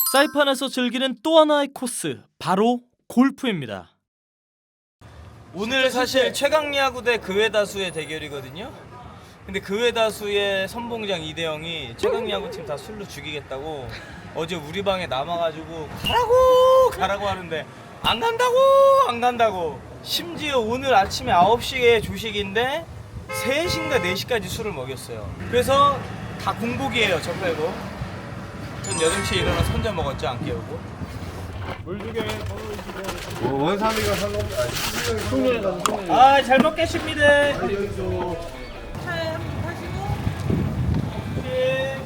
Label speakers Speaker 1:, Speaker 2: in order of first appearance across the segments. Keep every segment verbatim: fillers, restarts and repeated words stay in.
Speaker 1: 사이판에서 즐기는 또 하나의 코스, 바로 골프입니다.
Speaker 2: 오늘 사실 최강야구 대 그외다수의 대결이거든요. 근데 그외다수의 선봉장 이대영이 최강야구 팀 다 술로 죽이겠다고 어제 우리 방에 남아가지고 가라고 가라고 하는데 안 간다고 안 간다고. 심지어 오늘 아침에 아홉 시에 조식인데 세 시인가 네 시까지 술을 먹였어요. 그래서 다 공복이에요, 저 빼고. 전 여덟 시에 일어나서 혼자 먹었죠, 안 깨우고.
Speaker 3: 물 주게. 뭐 원삼이가 상관없. 아니 숙련에 가서 숙련에.
Speaker 2: 아, 잘 먹겠습니다.
Speaker 3: 여기서.
Speaker 4: 차에 한번 타시고
Speaker 2: 예.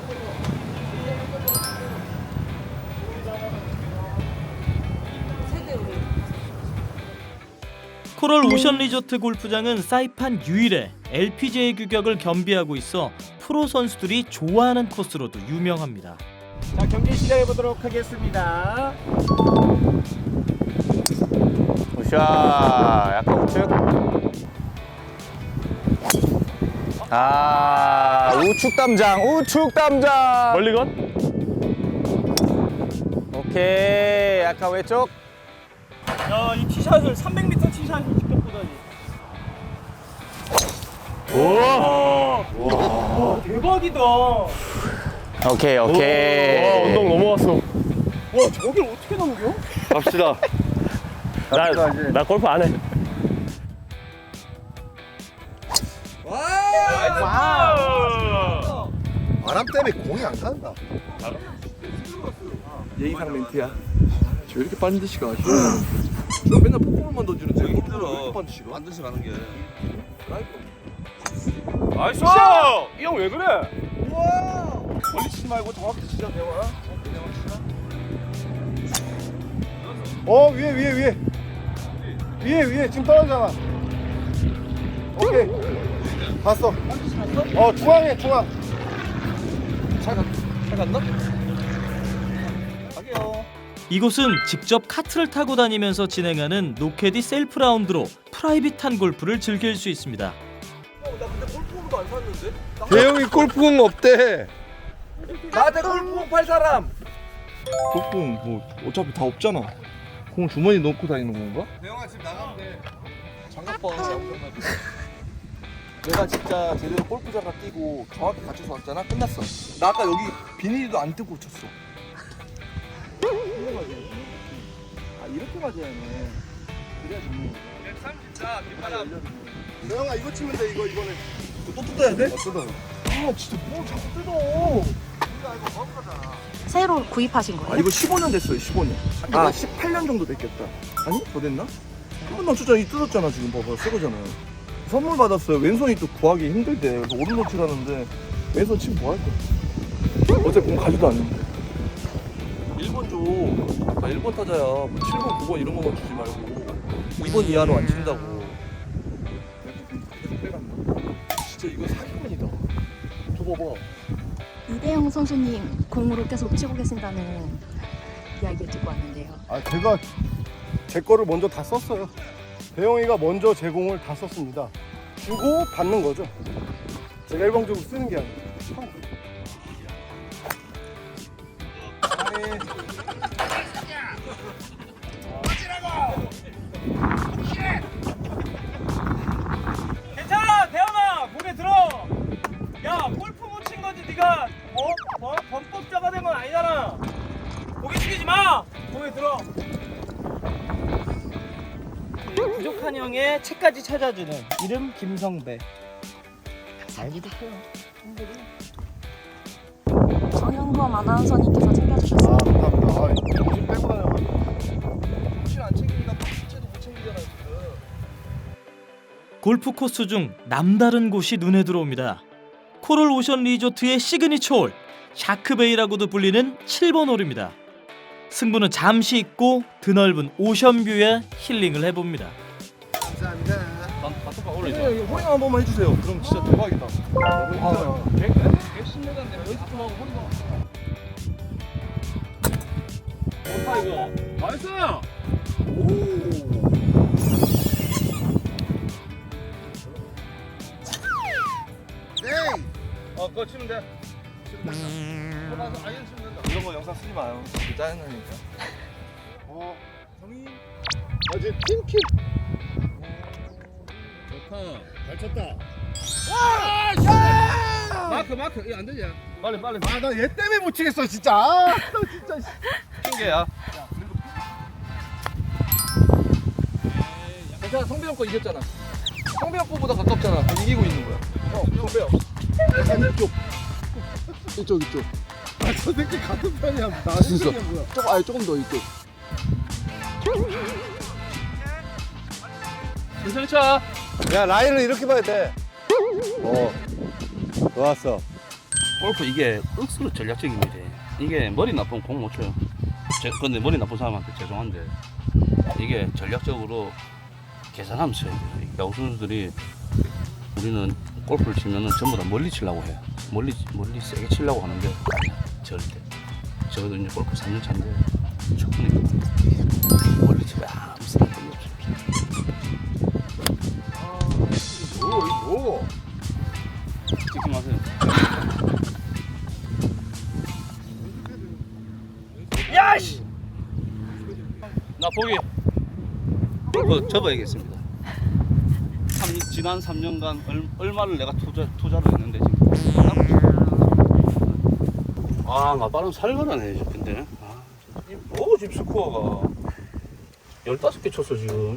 Speaker 4: 세대 우리
Speaker 1: 코럴 오션 리조트 골프장은 사이판 유일의 엘피지에이 규격을 겸비하고 있어 프로 선수들이 좋아하는 코스로도 유명합니다.
Speaker 3: 자, 경기 시작해 보도록 하겠습니다.
Speaker 5: 굿샷. 약간 우측. 아, 우측 담장, 우측 담장.
Speaker 3: 멀리 건?
Speaker 5: 오케이. 약간 왼쪽.
Speaker 2: 야, 이 티샷을 삼백 미터 티샷을 직접 보다니.
Speaker 3: 오.
Speaker 2: 대박이다.
Speaker 5: 오케이, 오케이.
Speaker 3: 와, 언덕 넘어왔어.
Speaker 2: 와, 저길 어떻게 넘겨?
Speaker 3: 갑시다. 나, 나 골프 안 해.
Speaker 2: 와!
Speaker 6: 바람 때문에 공이 안 간다.
Speaker 7: 예의상 멘트야. 저 이렇게 반드시 가. 저 맨날 폭포만 던지는데 힘들어. 반드시 가. 반드시 가는 게.
Speaker 3: 나이스! 이 형 왜 그래? 우와! 멀리 치지 말고 정확히 치자, 대화.
Speaker 6: 어 위에 위에 위에 위에 위에 지금 떨어지잖아. 오케이 봤어. 어 중앙에 중앙.
Speaker 7: 잘 갔나? 가게요.
Speaker 1: 이곳은 직접 카트를 타고 다니면서 진행하는 노캐디 셀프 라운드로 프라이빗한 골프를 즐길 수 있습니다.
Speaker 7: 나 근데 골프공도 안 샀는데?
Speaker 6: 대형이 골프공 없대.
Speaker 7: 나한테 골프공 팔 사람. 골프공 뭐 어차피 다 없잖아. 공 주머니 넣고 다니는 건가?
Speaker 6: 대형아 지금 나가면 돼.
Speaker 7: 장갑 봐. 내가 진짜 제대로 골프장가 뛰고 정확히 갖춰서 왔잖아. 끝났어. 나 아까 여기 비닐도 안 뜯고 쳤어. 아 이렇게 맞아야 해. 그래야 좋네.
Speaker 6: 대형아 이거 치면 돼. 이거 이거는.
Speaker 7: 또 뜯어야 돼?
Speaker 6: 어, 뜯어.
Speaker 7: 아 진짜 뭐 자꾸 뜯어.
Speaker 4: 새로 구입하신
Speaker 7: 아
Speaker 4: 거예요?
Speaker 7: 이거 십오 년 됐어요. 십오 년. 아 십팔 년 정도 됐겠다. 아니 더 됐나? 한 번도 안 쳤잖아. 이 뜯었잖아 지금 봐봐. 새 거잖아요. 선물 받았어요. 왼손이 또 구하기 힘들대. 그래서 오른손 치라는데 왼손 치면 뭐 할 거야? 어제 공 가지도 않는데. 일 번 줘. 나 일 번 타자야. 뭐 칠 번, 구 번 이런 거만 주지 말고 이 번 이하로 안 친다고. 진짜 이거 사기꾼이다. 저 봐봐.
Speaker 8: 이대영 선수님 공으로 계속 치고 계신다는 이야기 듣고 왔는데요.
Speaker 6: 아 제가 제 거를 먼저 다 썼어요. 대형이가 먼저 제 공을 다 썼습니다. 주고 받는 거죠. 제가 일방적으로 쓰는 게 아니에요.
Speaker 2: 괜찮아, 대현아, 고개 들어. 야, 골프 못 친 거지, 네가 어? 어? 범법자가 된 건 아니잖아. 고개 숙이지 마. 고개 들어. 부족한 형의 책까지 찾아주는 이름 김성배. 잘 부탁해요.
Speaker 8: 정영범 아나운서님께서 챙겨주셨어요.
Speaker 6: 아 감사합니다. 아, 정신 빼고 다녀가지고.
Speaker 7: 혹시 안 챙기니까 실제도 못 챙기잖아 지금.
Speaker 1: 골프 코스 중 남다른 곳이 눈에 들어옵니다. 코럴 오션 리조트의 시그니처 홀, 샤크베이라고도 불리는 칠 번 홀입니다. 승부는 잠시 있고 드넓은 오션뷰에 힐링을 해봅니다.
Speaker 6: 감사합니다.
Speaker 7: 네, 이거 호잉 한 번만 해주세요. 그럼 진짜 대박이다. 아,
Speaker 2: 몇십 년간 내가 연습 좀 하고 허리가.
Speaker 3: 좋다 이거. 나이스!
Speaker 6: 네.
Speaker 2: 어, 그거 치면 돼.
Speaker 7: 이런 거 영상 쓰지 마요. 짜증나니까.
Speaker 6: 어, 형이 아직 팀킬. 잘 쳤다.
Speaker 3: 마크 마크 이거 안 되지? 빨리 빨리.
Speaker 6: 아, 나 얘 때문에 못 치겠어, 진짜. 아, 나 진짜. 씨.
Speaker 3: 핑계야.
Speaker 7: 괜찮아, 성배형 거 이겼잖아. 성배형 거보다 가깝잖아. 이기고 있는 거야. 어, 성배형.
Speaker 6: 이쪽. 이쪽, 이쪽. 아, 저 새끼 같은 편이야. 나
Speaker 7: 진짜.
Speaker 6: 생각이 뭐야.
Speaker 7: 조금, 아니 조금 더 이쪽.
Speaker 3: 천천히 쳐.
Speaker 6: 야, 라인을 이렇게 봐야 돼. 어. 좋았어.
Speaker 9: 골프 이게 억수로 전략적인 일이에요. 이게 머리 나쁜 공 못 쳐요. 제, 근데 머리 나쁜 사람한테 죄송한데 이게 전략적으로 계산하면 쳐야 돼요. 이 야구 선수들이 우리는 골프를 치면은 전부 다 멀리 치려고 해요. 멀리 멀리 세게 치려고 하는데 아니야, 절대. 저도 이제 골프 삼 년 차인데 충분히 멀리 치면 아무 생각이 없어요.
Speaker 6: 오, 오.
Speaker 9: 찍지 마세요.
Speaker 2: 야씨.
Speaker 9: 나 보기 골프 접어야겠습니다. 삼, 지난 삼 년간 얼, 얼마를 내가 투자, 투자를 했는데 지금 아, 맞바람 살벌하네 근데. 아, 뭐 지금 스코어가 열다섯 개 쳤어 지금.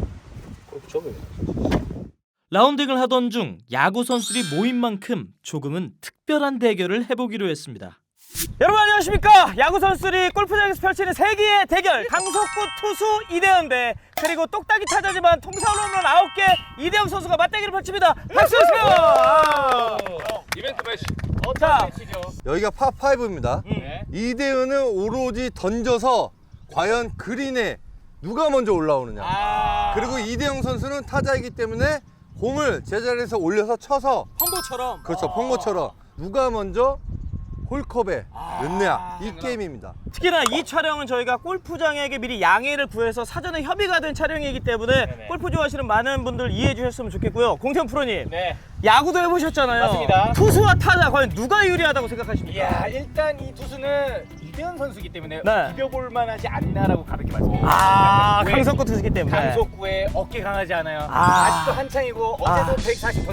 Speaker 9: 골프 접어야겠다.
Speaker 1: 라운딩을 하던 중 야구 선수들이 모인 만큼 조금은 특별한 대결을 해보기로 했습니다.
Speaker 2: 여러분 안녕하십니까? 야구 선수들이 골프장에서 펼치는 세기의 대결. 강속구 투수 이대현 대 그리고 똑딱이 타자지만 통사로 홈런 아홉 개 이대영 선수가 맞대결을 펼칩니다. 박수 주세요. 아.
Speaker 3: 이벤트 매치.
Speaker 2: 자,
Speaker 6: 여기가 파파이브입니다.
Speaker 2: 네.
Speaker 6: 이대은은 오로지 던져서 과연 그린에 누가 먼저 올라오느냐.
Speaker 2: 아.
Speaker 6: 그리고 이대영 선수는 타자이기 때문에 공을 제자리에서 올려서 쳐서
Speaker 2: 펑고처럼.
Speaker 6: 그렇죠, 펑고처럼 누가 먼저 홀컵에 넣느냐 이 게임입니다.
Speaker 2: 특히나 이 촬영은 저희가 골프장에게 미리 양해를 구해서 사전에 협의가 된 촬영이기 때문에
Speaker 10: 네네.
Speaker 2: 골프 좋아하시는 많은 분들 이해해 주셨으면 좋겠고요. 공태현 프로님,
Speaker 10: 네.
Speaker 2: 야구도 해보셨잖아요.
Speaker 10: 맞습니다.
Speaker 2: 투수와 타자 과연 누가 유리하다고 생각하십니까?
Speaker 10: 이야, 일단 이 투수는 이대현 선수이기 때문에
Speaker 2: 네.
Speaker 10: 비벼볼 만하지 않나라고 가볍게 말씀드립니다.
Speaker 2: 아,
Speaker 10: 왜?
Speaker 2: 강속구 투수기 때문에.
Speaker 10: 강속구에 어깨 강하지 않아요.
Speaker 2: 아.
Speaker 10: 아. 직도 한창이고 어제도
Speaker 2: 아.
Speaker 10: 백사십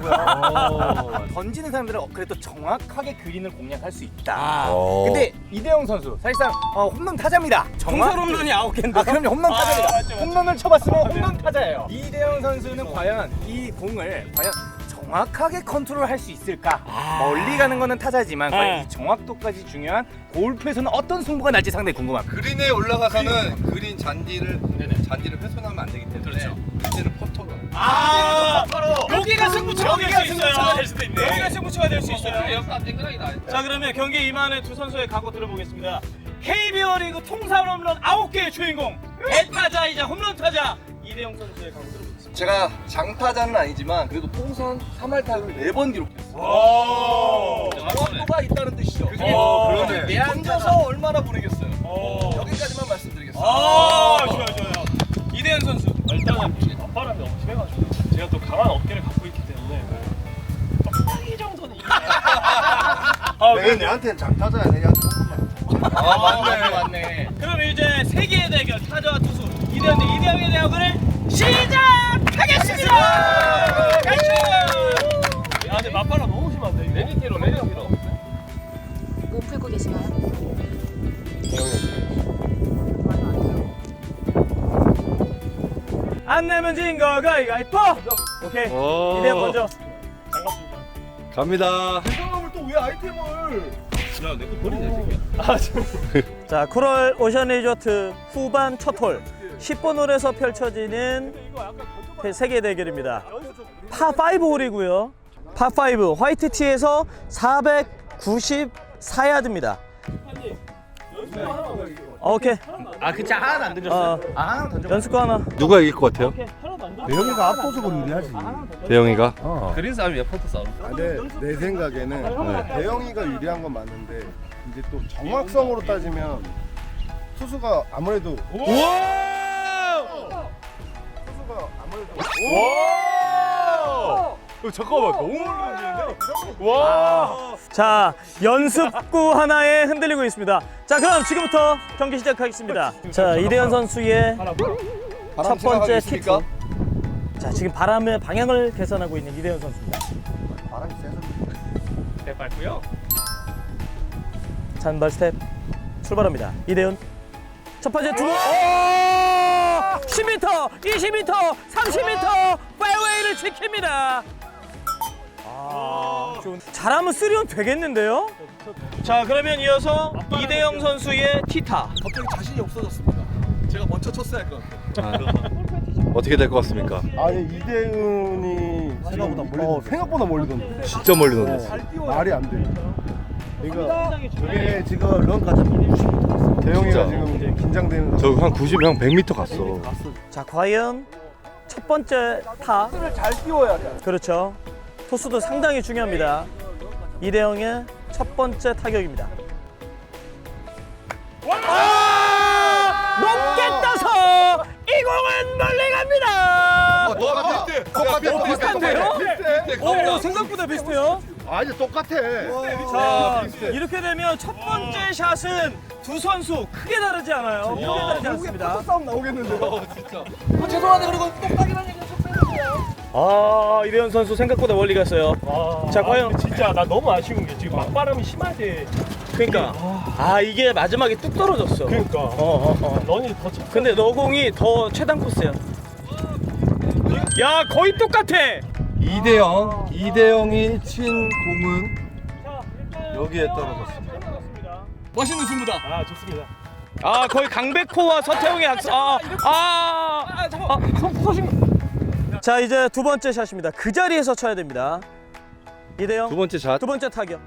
Speaker 10: 던지시더라고요. 던지는 사람들은 그래도 정확하게 그린을 공략할 수 있다.
Speaker 6: 오.
Speaker 10: 근데 이대영 선수 사실상 어, 홈런 타자입니다.
Speaker 2: 통살 홈런이 아홉 개인데.
Speaker 10: 아, 그럼요. 홈런
Speaker 2: 아,
Speaker 10: 타자입니다.
Speaker 2: 맞죠, 맞죠.
Speaker 10: 홈런을 쳐봤으면 홈런 타자예요. 이대영 선수는 과연 이 공을 과연 정확하게 컨트롤할 수 있을까? 멀리 가는 거는 타자지만 과연
Speaker 2: 네.
Speaker 10: 이 정확도까지 중요한 골프에서는 어떤 승부가 날지 상당히 궁금합니다.
Speaker 6: 그린에 올라가서는 그린 잔디를 잔디를 훼손하면 안 되기 때문에
Speaker 10: 그렇죠.
Speaker 6: 이제는 퍼터로.
Speaker 2: 아, 여기가 승부처가 될 수 있어요.
Speaker 10: 승부처가 될 수도 있네.
Speaker 2: 여기가 승부처가 될 수 있어요.
Speaker 3: 역사 땡그랑이다.
Speaker 2: 자, 그러면 경기에 임하는 두 선수의 각오 들어보겠습니다. 케이비오 리그 통살 홈런 아홉 개의 주인공 대타자이자 홈런 타자 이대영 선수의 각오 들어보겠습니다.
Speaker 7: 제가 장타자는 아니지만 그래도 통산 삼 할 타율을 네 번 기록했어요.
Speaker 2: 오.
Speaker 7: 정확도가 있다는 뜻이죠.
Speaker 2: 오,
Speaker 7: 그러면
Speaker 2: 그러네.
Speaker 7: 던져서 얼마나 보내겠어요.
Speaker 2: 오.
Speaker 7: 여기까지만 말씀드리겠습니다.
Speaker 2: 아, 좋아요, 좋아요. 이대현 선수.
Speaker 3: 일단은 바람이 너무 심해가지고 제가 또 강한 어깨를 갖고 있기 때문에 이 정도는
Speaker 2: 아,
Speaker 6: 내가 내한테는 장타자야, 내한테 조금만.
Speaker 10: 아, 맞네, 맞네.
Speaker 2: 그럼 이제 세계의 대결 타자와 투수 이대현 대 이대영의 대결을 시작하겠습니다. 가시죠.
Speaker 3: 아 근데 맞바람 너무 심한데 이거. 레디티로 레디티로.
Speaker 8: 뭐 풀고 계시나요?
Speaker 2: 안 내면 진 거 가위가위보. 오케이. 이대현 먼저.
Speaker 6: 갑니다.
Speaker 7: 대장함을 또 왜 아이템을?
Speaker 3: 야내거 버리네 새끼야.
Speaker 2: 자, 코럴 오션 리조트 후반 첫 홀 십 번 홀에서 펼쳐지는 세계 대결입니다. 파 오 홀이고요. 파 오 화이트 티에서 사백구십사 야드입니다. 오케이.
Speaker 10: 아, 그치. 하나는 안 던졌어요.
Speaker 2: 어,
Speaker 10: 아, 하나 던져.
Speaker 2: 연습 하나.
Speaker 6: 누가 이길 것 같아요?
Speaker 3: 대영이가 압도적으로 유리하지.
Speaker 6: 대영이가?
Speaker 3: 그린 싸움이야 포트 싸움.
Speaker 6: 근데 내 생각에는 대영이가 유리한 건 맞는데 이제 또 정확성으로 따지면 투수가 아무래도 투수가 아무래도
Speaker 3: 잠깐만 너무 멀리 던지는데? 와.
Speaker 1: 자, 연습구 하나에 흔들리고 있습니다. 자, 그럼 지금부터 경기 시작하겠습니다. 자, 이대현 선수의 첫 번째 티트. 자, 지금 바람의 방향을 계산하고 있는 이대현 선수입니다.
Speaker 6: 바람이 세서.
Speaker 3: 네, 밟고요.
Speaker 1: 잔발 스텝 출발합니다. 이대현 첫 번째 두 번. 오! 십 미터, 이십 미터, 삼십 미터 페어웨이를 지킵니다. 아, 좋은. 잘하면 쓰리온 되겠는데요? 자, 그러면 이어서 이대영 선수의 티타.
Speaker 7: 갑자기 자신이 없어졌습니다. 제가 먼저 쳤어야 할 것 같아요.
Speaker 3: 어떻게 될 것 같습니까?
Speaker 6: 아니 이대은이 생각보다 멀리 어, 생각보다 멀리 던져.
Speaker 3: 진짜 멀리 던졌어.
Speaker 6: 말이 안 돼. 그러니까 이게 지금 런까지 대영이가
Speaker 3: 진짜.
Speaker 6: 지금 이제 긴장되는.
Speaker 3: 저 한 구십, 형 백 미터 갔어.
Speaker 1: 자, 과연 첫 번째 타.
Speaker 7: 잘 띄워야 돼.
Speaker 1: 그렇죠. 토스도 상당히 중요합니다. 이대영의 첫 번째 타격입니다. 아! 높게 떠서 이 공은 멀리 갑니다.
Speaker 3: 똑같아. 똑같아.
Speaker 1: 비슷한데요? 오, 생각보다 비슷해요.
Speaker 6: 아니 똑같아.
Speaker 1: 자, 이렇게 되면 첫 번째 샷은 두 선수 크게 다르지 않아요. 크게 다르지 않습니다.
Speaker 7: 싸움 나오겠는데요.
Speaker 1: 아, 이대현 선수 생각보다 멀리 갔어요. 자, 과연
Speaker 3: 진짜 나 너무 아쉬운 게 지금 맞바람이 심하대.
Speaker 1: 그러니까 아, 이게 마지막에 뚝 떨어졌어.
Speaker 3: 그러니까.
Speaker 1: 어, 어, 어.
Speaker 3: 런이 더 차.
Speaker 1: 근데 너 공이 더 최단 코스야. 야, 거의 똑같아.
Speaker 3: 이대영, 이대영이 친 공은 여기에 떨어졌습니다.
Speaker 1: 멋있는 승부다.
Speaker 3: 아 좋습니다.
Speaker 1: 아, 거의 강백호와 서태웅의 학습. 아, 아, 아, 잠깐. 자, 이제 두 번째 샷입니다. 그 자리에서 쳐야 됩니다. 이대영
Speaker 3: 두 번째 샷.
Speaker 1: 두 번째 타격.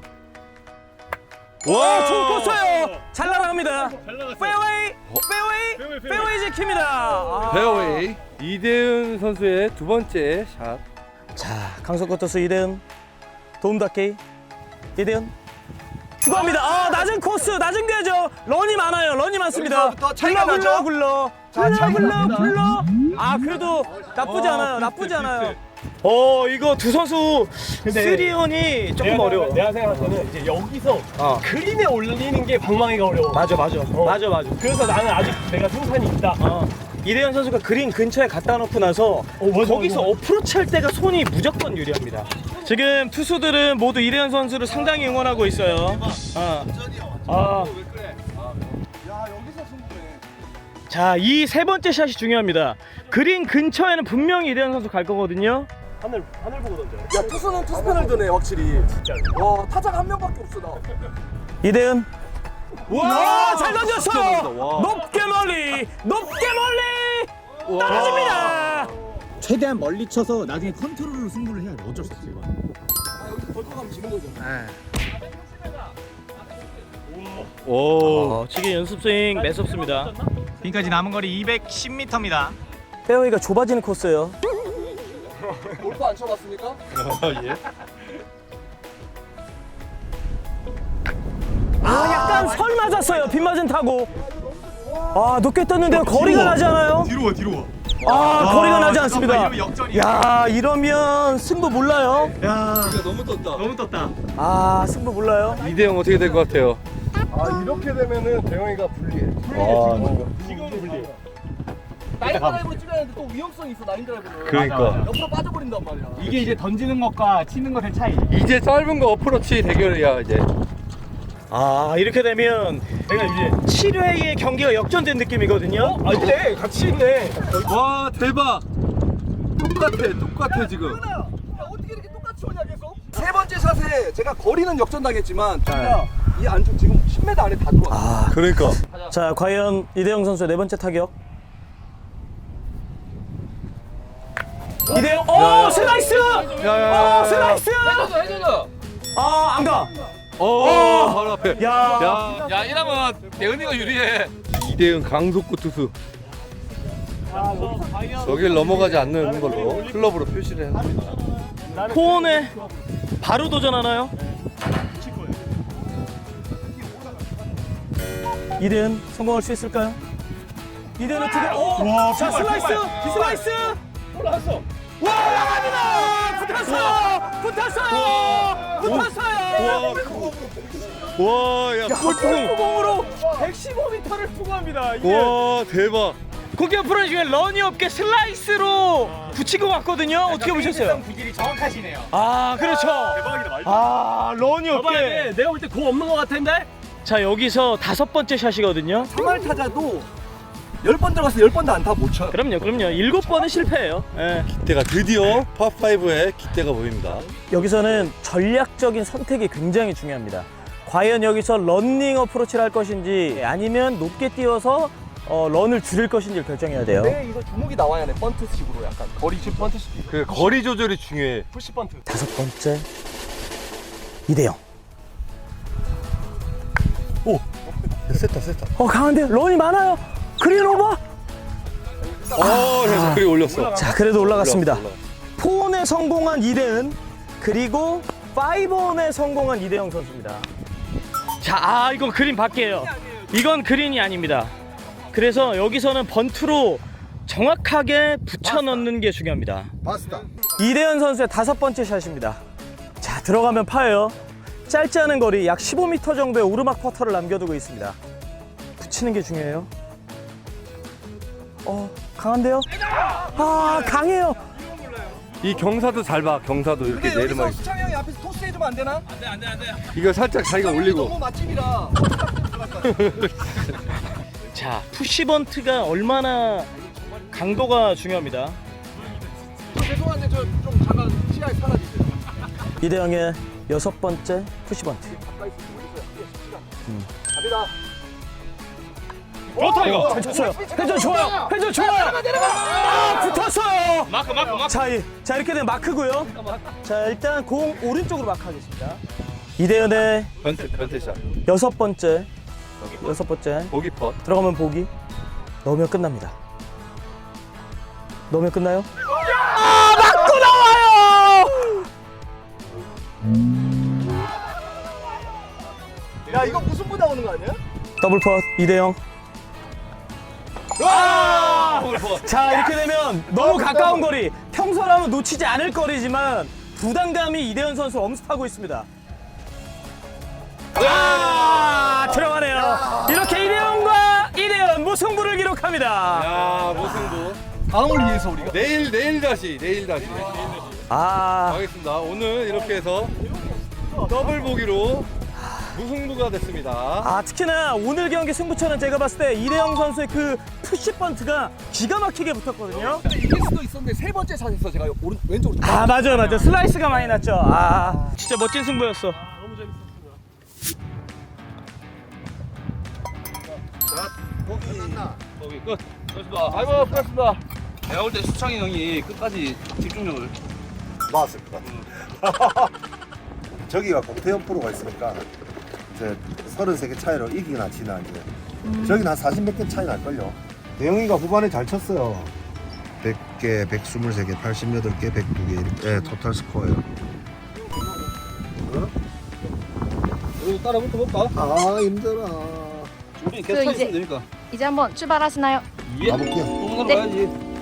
Speaker 1: 와, 좋은 코스예요. 잘 날아갑니다. 페어웨이, 페어웨이, 페어웨이 지킵니다. 아.
Speaker 3: 페어웨이. 이대은 선수의 두 번째 샷.
Speaker 1: 자, 강석구 투수 이대은 도움닫기. 이대은 추가합니다. 아, 낮은 코스, 낮은 궤죠. 런이 많아요. 런이 많습니다.
Speaker 7: 여기서부터 차이가
Speaker 1: 굴러 굴러
Speaker 7: 나죠?
Speaker 1: 굴러.
Speaker 7: 자,
Speaker 1: 굴러
Speaker 7: 차이가
Speaker 1: 굴러
Speaker 7: 납니다.
Speaker 1: 굴러. 아, 그래도 나쁘지 않아요. 나쁘지 않아요. 어, 이거 두 선수 쓰리온이 조금
Speaker 3: 내가,
Speaker 1: 어려워.
Speaker 3: 내가 생각할 때는 이제 여기서
Speaker 1: 어.
Speaker 3: 그린에 올리는 게 방망이가 어려워.
Speaker 1: 맞아, 맞아. 맞아, 맞아.
Speaker 3: 그래서 나는 아직 내가 승산이 있다.
Speaker 1: 어. 이대현 선수가 그린 근처에 갖다 놓고 나서
Speaker 3: 맞아,
Speaker 1: 거기서
Speaker 3: 맞아.
Speaker 1: 어프로치 할 때가 손이 무조건 유리합니다. 지금 투수들은 모두 이대현 선수를 상당히 응원하고 있어요. 어. 아. 자, 이 세 번째 샷이 중요합니다. 그린 근처에는 분명히 이대현 선수 갈 거거든요.
Speaker 3: 하늘 하늘 보고 던져.
Speaker 7: 야 투수는 투수편을 드네 확실히. 와 타자가 한 명밖에 없어 나.
Speaker 1: 이대현. 와, 잘
Speaker 3: 와.
Speaker 1: 던졌어요. 높게 멀리, 높게 멀리 떨어집니다.
Speaker 10: 최대한 멀리 쳐서 나중에 컨트롤로 승부를 해야 돼. 어쩔 수 없어 이거.
Speaker 3: 오.
Speaker 1: 어, 지금 연습 스윙 매섭습니다.
Speaker 10: 지금까지 남은 거리 이백십 미터입니다.
Speaker 1: 페어웨이가 좁아지는 코스예요.
Speaker 7: 골프 안 쳐봤습니까?
Speaker 3: 예.
Speaker 1: 아, 약간 설 맞았어요. 빗맞은 타고. 아, 높게 떴는데요. 거리가 나지 않아요?
Speaker 10: 뒤로 와 뒤로 와.
Speaker 1: 아, 거리가 나지 않습니다.
Speaker 10: 이러면 역전이야.
Speaker 1: 야, 이러면 승부 몰라요.
Speaker 10: 야
Speaker 7: 너무 떴다.
Speaker 10: 너무 떴다.
Speaker 1: 아, 승부 몰라요.
Speaker 3: 이대영 어떻게 될 것 같아요?
Speaker 6: 아 이렇게 되면은 대영이가 불리해.
Speaker 3: 와.
Speaker 10: 지금 불리.
Speaker 7: 나인 드라이브로 찍어야 되는데 또 위험성이 있어 나인 드라이브는.
Speaker 3: 그러니까.
Speaker 7: 옆으로 빠져버린단 말이야.
Speaker 10: 이게 이제 던지는 것과 치는 것의 차이.
Speaker 3: 이제 짧은 거 어프로치 대결이야 이제.
Speaker 1: 아, 이렇게 되면
Speaker 10: 내가 이제
Speaker 1: 칠 회의 경기가 역전된 느낌이거든요.
Speaker 3: 아 근데 같이 있네. 와 대박. 똑같아 똑같아 지금.
Speaker 7: 야 어떻게 이렇게 똑같이 오냐 계속? 세 번째 샷에 제가 거리는 역전당했지만 진짜 이 안쪽 지금 십 미터 안에 다 들어왔어.
Speaker 1: 아,
Speaker 3: 그러니까.
Speaker 1: 자, 과연 이대영 선수의 네 번째 타격. 이대영, 오, 슬라이스!
Speaker 3: 야야야.
Speaker 1: 오, 슬라이스! 아, 안 가.
Speaker 3: 오 바로 앞에.
Speaker 1: 야,
Speaker 3: 야.
Speaker 9: 야 이러면 대은이가 유리해.
Speaker 3: 이대은 강속구 투수. 저길 넘어가지 않는 걸로 클럽으로 표시를 했습니다.
Speaker 1: 포온에 바로 도전하나요? 이대은 성공할 수 있을까요? 이대은 어떻게? 오, 자, 슬라이스, 슬라이스. 올라갔어. 와, 나갑니다. 붙었어요. 붙었어요.
Speaker 3: 와, 야, 골프.
Speaker 1: 공으로 백십오 미터를 투구합니다. 이게
Speaker 3: 와, 대박.
Speaker 1: 고기업 프로 중에 런이 없게 슬라이스로 붙인 것 같거든요. 어떻게 보셨어요?
Speaker 10: 구질이 정확하시네요.
Speaker 1: 아, 그렇죠. 아, 런이 없게.
Speaker 10: 내가 볼 때 공 없는 것 같은데?
Speaker 1: 자, 여기서 다섯 번째 샷이거든요.
Speaker 7: 정말 타자도 열 번 들어가서 열 번도 안타 못 쳐요.
Speaker 1: 그럼요, 그럼요. 일곱 번은 실패예요. 예.
Speaker 3: 기대가 드디어 팝오의 기대가 보입니다.
Speaker 1: 여기서는 전략적인 선택이 굉장히 중요합니다. 과연 여기서 런닝 어프로치를 할 것인지 아니면 높게 띄워서 어, 런을 줄일 것인지를 결정해야 돼요.
Speaker 7: 네, 이거 주목이 나와야 돼. 번트식으로 약간 거리식 번트식.
Speaker 3: 그 거리 조절이 중요해.
Speaker 7: 푸시 번트.
Speaker 1: 다섯 번째 이대영. 오,
Speaker 3: 셌다, 셌다.
Speaker 1: 어 강한데 런이 많아요. 그린 오버.
Speaker 3: 어, 그래서 그리 올렸어.
Speaker 1: 자, 그래도 올라갔습니다.
Speaker 3: 올라갔어,
Speaker 1: 포온에 성공한 이대은, 그리고 파이브온에 성공한 이대영 선수입니다. 자, 아 이건 그린 밖이에요. 이건 그린이 아닙니다. 그래서 여기서는 번트로 정확하게 붙여 넣는 게 중요합니다.
Speaker 6: 바스다.
Speaker 1: 이대현 선수의 다섯 번째 샷입니다. 자, 들어가면 파예요. 짧지 않은 거리 약 십오 미터 정도의 오르막 퍼터를 남겨두고 있습니다. 붙이는 게 중요해요. 어, 강한데요? 아, 강해요.
Speaker 3: 이 경사도 잘 봐. 경사도 이렇게
Speaker 7: 근데 여기서
Speaker 3: 내리막.
Speaker 7: 수창이 형이 앞에서 토스 해주면 안 되나?
Speaker 3: 이거 살짝 자기가 올리고.
Speaker 7: 너무 맛집이라.
Speaker 1: 자, 푸시번트가 얼마나 강도가 중요합니다.
Speaker 7: 죄송한데 저 좀 잠깐 시야에 사라지세요.
Speaker 1: 이대영의 여섯 번째 푸시번트.
Speaker 7: 갑니다.
Speaker 1: 좋다 이거. 잘 쳤어요. 회전 좋아요. 회전 좋아요. 아, 붙었어요.
Speaker 10: 마크 마크 마크.
Speaker 1: 자, 이, 자 이렇게 되면 마크고요. 자, 일단 공 오른쪽으로 마크하겠습니다. 이대현의
Speaker 3: 변태, 변태샷.
Speaker 1: 여섯 번째 여섯 번째
Speaker 3: 보기 퍼.
Speaker 1: 들어가면 보기. 넣으면 끝납니다. 넣으면 끝나요? 아, 맞고 나와요.
Speaker 7: 야 이거 무슨 부 나오는 거 아니야?
Speaker 1: 더블 펫 이대영. 자, 이렇게 되면 너무 가까운 거리, 평소라면 놓치지 않을 거리지만 부담감이 이대현 선수 엄습하고 있습니다. 아, 들어가네요. 이렇게 이대현과 이대현 무승부를 기록합니다.
Speaker 3: 야, 무승부.
Speaker 7: 다음을 위해서 우리가.
Speaker 3: 내일, 내일 다시, 내일 다시.
Speaker 1: 아,
Speaker 3: 가겠습니다. 오늘 이렇게 해서 더블 보기로 무승부가 됐습니다.
Speaker 1: 아, 특히나 오늘 경기 승부처는 제가 봤을 때 이대영 선수의 그 푸시 번트가 기가 막히게 붙었거든요.
Speaker 7: 이길 수도 있었는데 세 번째 샷에서 제가 오른 왼쪽으로.
Speaker 1: 아, 맞아요, 맞아요. 슬라이스가 많이 났죠. 아, 진짜 멋진 승부였어.
Speaker 9: 거기 끝. 고맙습니다. 아이고, 고맙습니다. 내가 볼 때 수창이 형이 끝까지 집중력을.
Speaker 6: 나왔을 것 같아. 저기가 공태현 프로가 있으니까 이제 서른세 개 차이로 이기나 지나 이제. 저기는 한 사십 몇 개 차이 날걸요. 대영이가 후반에 잘 쳤어요. 백 개, 백이십삼 개, 팔십팔 개, 백이 개 이렇게 네, 토탈 스코어예요.
Speaker 7: 이거 따라 붙어볼까?
Speaker 6: 아 힘들어.
Speaker 9: 우리 계속 차 있으면 되니까.
Speaker 8: 이제 한번 출발하시나요?
Speaker 9: 예.
Speaker 6: 가볼게요.
Speaker 9: 동산으로
Speaker 8: 네.
Speaker 9: 가야지.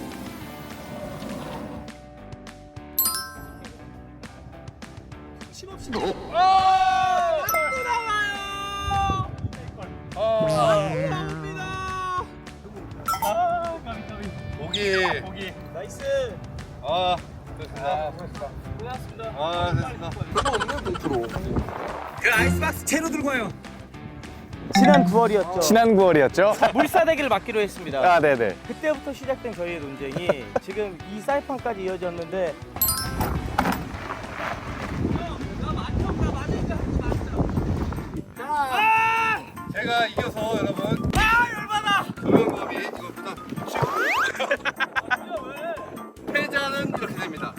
Speaker 3: 보기.
Speaker 1: 보기. 나이스.
Speaker 3: 아, 됐습니다.
Speaker 1: 고맙습니다.
Speaker 3: 아, 됐습니다.
Speaker 10: 그 아이스박스 채로 들고 와요.
Speaker 1: 지난 구월이었죠.
Speaker 5: 지난 구월이었죠?
Speaker 1: 물사대기를 맞기로 했습니다.
Speaker 5: 아, 네네.
Speaker 1: 그때부터 시작된 저희의 논쟁이 지금 이 사이판까지 이어졌는데
Speaker 3: 제가 이겨서 여러분. 아, 열받아. 조영범이 이것보다 쉬고. 패자는 이렇게 됩니다.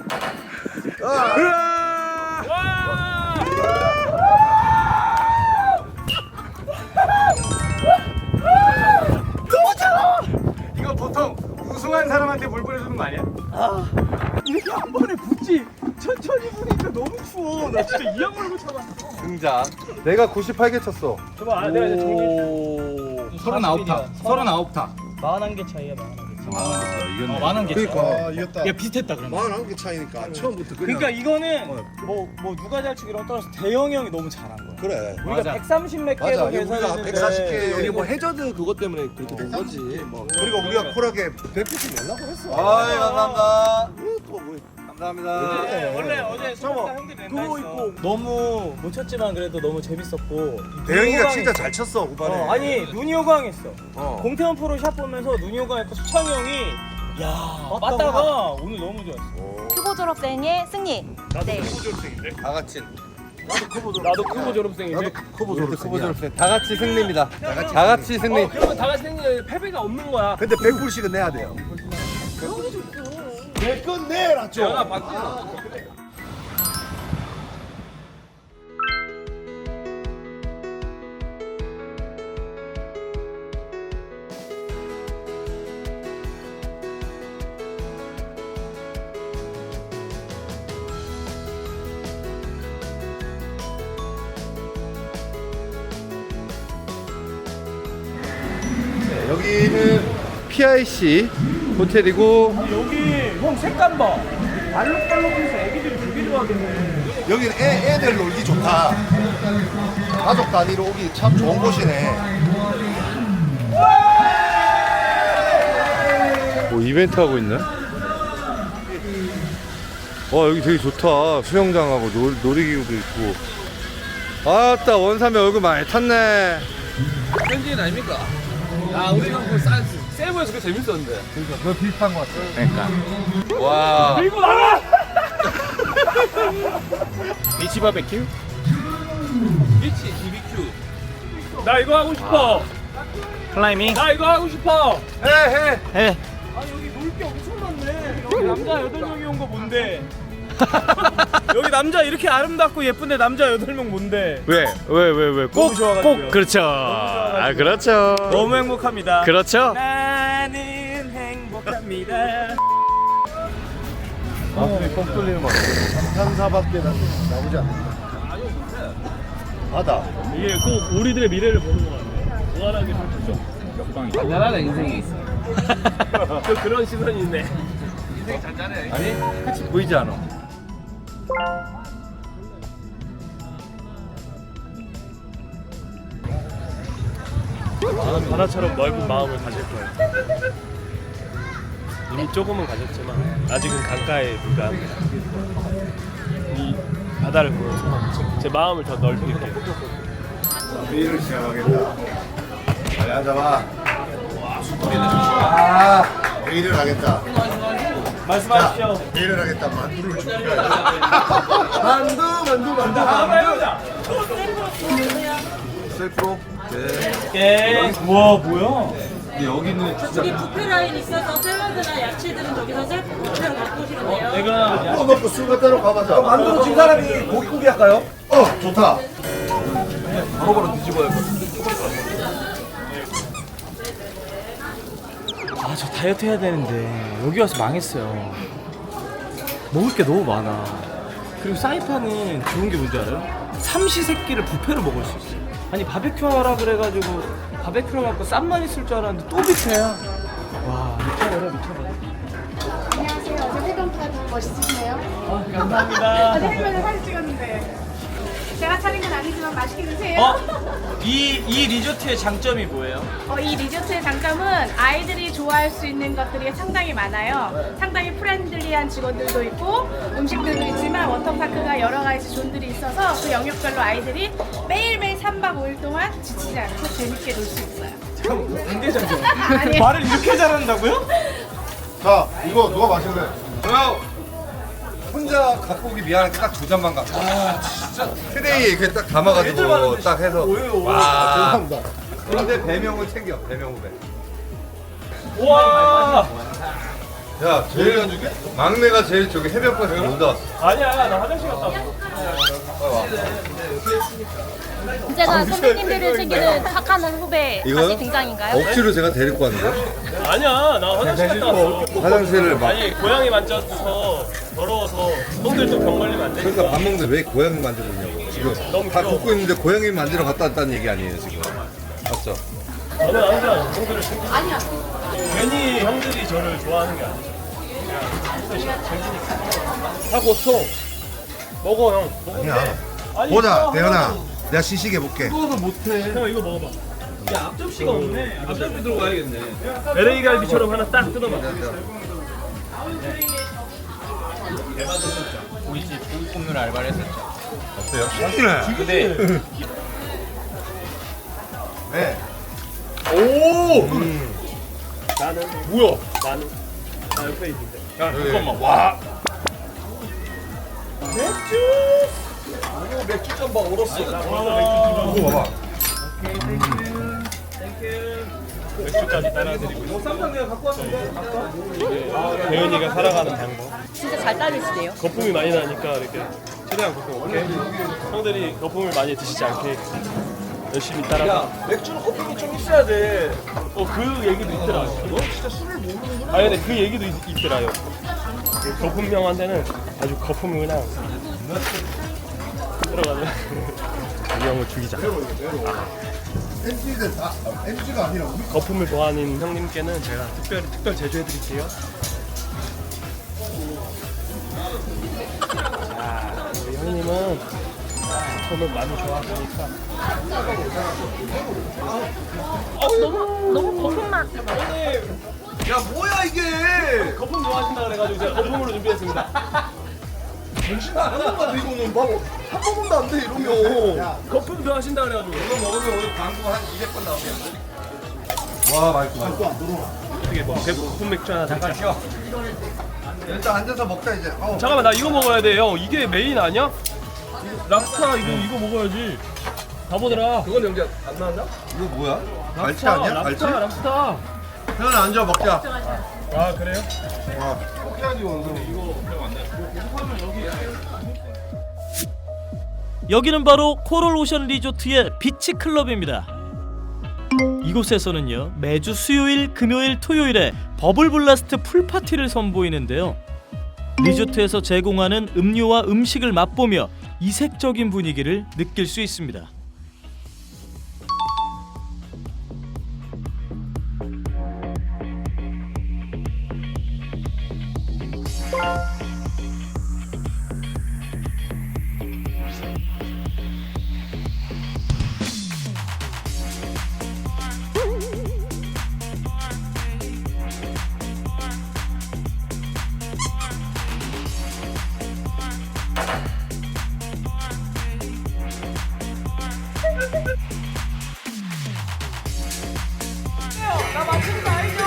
Speaker 10: 이거 보통 우승한 사람한테 물 뿌려주는 거 아니야?
Speaker 1: 이렇게 한 번에 붙지. 천천히 부니까 너무 추워. 나 진짜 이 양말 못 참았어.
Speaker 3: 등장. 내가 구십팔 개 쳤어.
Speaker 1: 저봐, 내가 이제 정리.
Speaker 10: 서른아홉 타. 서른아홉 타.
Speaker 1: 마흔한 개 차이야, 마흔한 개 차이.
Speaker 3: 이겼네.
Speaker 2: 만원 개.
Speaker 6: 그러니까 이겼다.
Speaker 2: 야 비슷했다 그러면.
Speaker 6: 만 원 개 차이니까 처음부터 그냥.
Speaker 2: 그러니까 이거는 뭐 뭐 누가 잘 치기랑 떠나서 대형이 형이 너무 잘한 거야.
Speaker 6: 그래.
Speaker 2: 우리가 백삼십 몇
Speaker 6: 맞아.
Speaker 2: 개로
Speaker 6: 이거 우리가
Speaker 2: 계산했는데
Speaker 6: 백사십 개
Speaker 7: 여기 뭐 해저드 그것 때문에 그렇게 된 거지. 뭐.
Speaker 6: 그리고 우리가 쿨하게 백구십 연락을 했어.
Speaker 3: 아이 감사합니다.
Speaker 6: 또 뭐.
Speaker 3: 감사합니다.
Speaker 2: 네, 원래 어제 소박사 형들이 낸다
Speaker 7: 그거
Speaker 2: 했어.
Speaker 7: 있고.
Speaker 2: 너무 못 쳤지만 그래도 너무 재밌었고
Speaker 6: 대영이가
Speaker 2: 눈이
Speaker 6: 진짜
Speaker 2: 호강했어.
Speaker 6: 잘 쳤어 후반에.
Speaker 2: 어, 아니 눈이 호강했어.
Speaker 6: 어.
Speaker 2: 공태원 프로 샷 보면서 눈이 호강했고 수창이 형이 야 맞다가 오늘 너무 좋았어.
Speaker 8: 후보 졸업생의 승리. 네.
Speaker 3: 다 같이.
Speaker 10: 나도 크고 졸업생인데.
Speaker 6: 나도 커버
Speaker 3: 크보 졸업생. 다 같이 승리입니다. 다 같이, 다 같이 승리.
Speaker 10: 어, 그러면 다 같이 생기는 패배가 없는 거야.
Speaker 6: 근데 백 불씩은 내야 돼요. 내건 내라 좀.
Speaker 10: 전화 받고.
Speaker 3: 여기는 피아이씨 호텔이고
Speaker 2: 여기 형 색감 봐. 알록달록해서 애기들이 되게 좋아하겠네.
Speaker 6: 여기는 애, 애들 놀기 좋다. 가족 단위로 오기 참 좋은 곳이네.
Speaker 3: 뭐 이벤트 하고 있네. 와 여기 되게 좋다. 수영장하고 놀, 놀이기구도 있고. 아따 원삼이 얼굴 많이 탔네.
Speaker 10: 현지인 아닙니까? 아 우리는 그 사, 세부에서 그 재밌었는데.
Speaker 3: 그거 비슷한 것 같아. 그러니까. 와.
Speaker 10: 그리고 나가. 비치 바베큐? 비치 비비큐. 나 이거 하고 싶어.
Speaker 2: 클라이밍.
Speaker 10: 나 이거 하고 싶어.
Speaker 3: 해 해.
Speaker 2: 해.
Speaker 10: 아 여기 놀 게 엄청 많네. 여기 남자 여덟 명이 온 거 뭔데?
Speaker 2: 여기 남자 이렇게 아름답고 예쁜데 남자 여덟 명 뭔데?
Speaker 3: 왜? 왜 왜 왜?
Speaker 2: 너무 좋아가지고요.
Speaker 3: 꼭 그렇죠. 아 그렇죠.
Speaker 2: 너무 행복합니다.
Speaker 3: 그렇죠.
Speaker 2: 나는 행복합니다.
Speaker 3: 가슴이 뻥 뚫리는 거.
Speaker 6: 삼사밖에 나오지 않는다. 바다.
Speaker 10: 이게 꼭 우리들의 미래를 보는 거 같네. 무한하게 펼쳐져. 역방이. 잔잔하다 인생이 있어. 또 그런 시선이 있네. 인생 잔잔해.
Speaker 3: 아니 끝이 보이지 않아.
Speaker 10: 나는 바다처럼 넓은 마음을 가질 거야. 이미 조금은 가졌지만 아직은 강가에 불과합니다. 이 바다를 보면서 제 마음을 더 넓힐게요.
Speaker 6: 회의를 시작하겠다. 빨리 앉아봐. 아, 회의를 하겠다.
Speaker 2: 말씀하십시오.
Speaker 6: 회의를 하겠다. 만두를 줄게. 만두, 만두, 만두.
Speaker 2: 한번 해보자.
Speaker 3: 셀프로.
Speaker 2: 예. 와 뭐야?
Speaker 3: 여기는
Speaker 4: 저기 뷔페 라인 있어서 샐러드나 야채들은 저기서 셀프 뷔페로 갖고 오시면 돼요.
Speaker 2: 내가
Speaker 6: 또 먹고 술 갖다 놓고 가보자.
Speaker 7: 만두로 진 사람이 고기고기 할까요?
Speaker 6: 어, 좋다.
Speaker 7: 바로 바로 뒤집어야 돼.
Speaker 2: 아 저 다이어트 해야 되는데 여기 와서 망했어요. 먹을 게 너무 많아. 그리고 사이판은 좋은 게 뭔지 알아요? 삼시세끼를 뷔페로 먹을 수 있어요. 아니 바베큐 하라 그래가지고 바베큐를 갖고 쌈만 있을 줄 알았는데 또 뷔페야. 와 미쳐버려 미쳐버려.
Speaker 11: 안녕하세요. 어제 회동파 멋있으시네요.
Speaker 2: 아, 감사합니다.
Speaker 11: 어제 헬멧을 사진 찍었는데 제가 차린 건 아니지만 맛있게 드세요.
Speaker 2: 어? 이, 이 리조트의 장점이 뭐예요?
Speaker 11: 어, 이 리조트의 장점은 아이들이 좋아할 수 있는 것들이 상당히 많아요. 상당히 프렌들리한 직원들도 있고 음식들도 있지만 워터파크가 여러 가지 존들이 있어서 그 영역별로 아이들이 매일매일 삼 박 오 일 동안 지치지 않고 재밌게 놀 수 있어요.
Speaker 2: 상대장점.
Speaker 11: 아니에요.
Speaker 2: 말을 이렇게 잘한다고요?
Speaker 6: 자, 이거 누가 마실래?
Speaker 3: 저요. 혼자 갖고 오기 미안하니까 딱 두 잔만 갖고. 아 진짜. 트레이에 이렇게 딱 담아가지고 딱 해서. 와.
Speaker 6: 죄송합니다.
Speaker 3: 그런데 배명을 챙겨. 배명 후배.
Speaker 2: 우와.
Speaker 3: 야 제일 막내가 제일 저기 해변가에서 놀다 왔어.
Speaker 2: 아니야 나 화장실 갔다 왔어.
Speaker 8: 언제나 선배님들을 챙기는 착한 후배
Speaker 3: 이거요?
Speaker 8: 다시 등장인가요?
Speaker 3: 억지로 제가 데리고 왔는데.
Speaker 10: 아니야 나 화장실 갔다 왔어.
Speaker 3: 화장실을 막.
Speaker 10: 아니 고양이 만져서 더러워서 손들도 병 걸리면 안 되니까.
Speaker 3: 그러니까 밥 먹는데 왜 고양이 만지고 있냐고. 지금
Speaker 10: 너무
Speaker 3: 다
Speaker 10: 귀여워.
Speaker 3: 굽고 있는데 고양이 만지러 갔다 왔다는 얘기 아니에요 지금. 맞죠?
Speaker 10: 저는 항상 손들을 챙겨.
Speaker 11: 아니야.
Speaker 12: 괜히 형들이 저를 좋아하는 게 아니죠. 그냥 재밌으니까. 하고 또 먹어 형. 먹으면
Speaker 6: 아니야.
Speaker 12: 돼. 아니,
Speaker 6: 보자,
Speaker 12: 이거
Speaker 6: 대현아.
Speaker 12: 하나도-
Speaker 6: 내가 시식해 볼게.
Speaker 12: 이거도 못해. 형 이거 먹어봐. 야 앞접시가 없네. 앞접시 들고 가야겠네. 엘에이 갈비처럼 하나 딱 뜯어봐.
Speaker 2: 우리 집 고기 굽는 알바를 했었죠.
Speaker 3: 어때요? 맛있네.
Speaker 2: 근데
Speaker 3: 네.
Speaker 12: 오. 나는 뭐야? 나는 나 옆에 있는데. 야 잠깐만. 와. 맥주. 오 맥주 짬바 얼었어.
Speaker 3: 이거 봐봐.
Speaker 12: 맥주까지 따라드리고 있어. 쌈장 내가 갖고 왔는데. 대현이가 살아가는 방법.
Speaker 4: 진짜 잘 따르시네요.
Speaker 12: 거품이 많이 나니까 이렇게 최대한 거품 없게. 형들이 거품을 많이 드시지 않게 열심히 따라. 야 맥주는 거품이 좀 있어야 돼. 어 그 얘기도 있더라. 너 진짜 술을 모르는. 아 근데 그 얘기도 있, 있더라요. 그 거품형한테는 아주 거품을 그냥 들어가면 이 형을 죽이자.
Speaker 6: 엠지가 아, 엠지가 아니라 우리
Speaker 12: 거품을 좋아하는 형님께는 제가 특별히 특별 제조해드릴게요. 자, 우리 형님은 거품을 많이 좋아하시니까.
Speaker 4: 어, 너무 너무 거품만.
Speaker 12: 야 뭐야 이게? 거품 좋아하신다 그래가지고 제가 거품으로 준비했습니다. 정신 나간 것 같아 이거는. 막한 번도 안 돼 이러면. 거품 좋아하신다 그래가지고 이거 먹으면 오늘 광고 한 이백 번 나오겠는데.
Speaker 3: 와, 맛있구만.
Speaker 12: 어떻게 뭐 거품 맥주 하나 잠깐 쉬어.
Speaker 3: 일단 앉아서 먹자 이제. 어.
Speaker 12: 잠깐만 나 이거 먹어야 돼요. 이게 메인 아니야? 랍스타 이거 이거 먹어야지. 바보들아. 그건 연기 안 나왔나?
Speaker 3: 이거 뭐야? 갈치
Speaker 12: 랍스타,
Speaker 3: 아니야? 갈치?
Speaker 12: 랍스타 랍스타.
Speaker 3: 태연아 앉아 먹자.
Speaker 12: 아 그래요?
Speaker 3: 와.
Speaker 12: 꼭 해야지 원서. 이거 그냥 안 돼. 하면 여기.
Speaker 1: 여기는 바로 코럴 오션 리조트의 비치 클럽입니다. 이곳에서는요 매주 수요일, 금요일, 토요일에 버블 블라스트 풀 파티를 선보이는데요. 리조트에서 제공하는 음료와 음식을 맛보며 이색적인 분위기를 느낄 수 있습니다.
Speaker 11: 나 맞춘 거 알죠?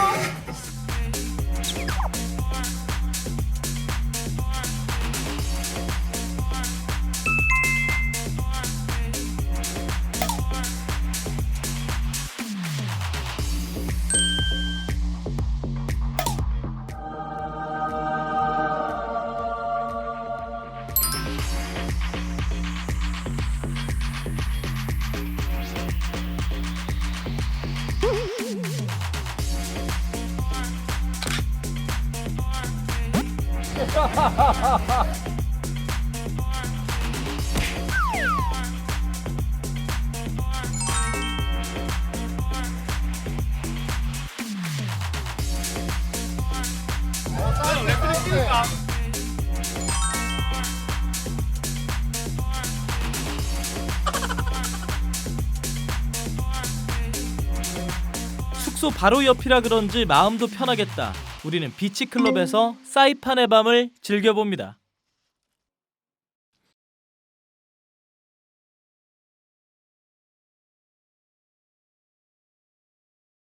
Speaker 1: 숙소 바로 옆이라 그런지 마음도 편하겠다. 우리는 비치클럽에서 사이판의 밤을 즐겨봅니다.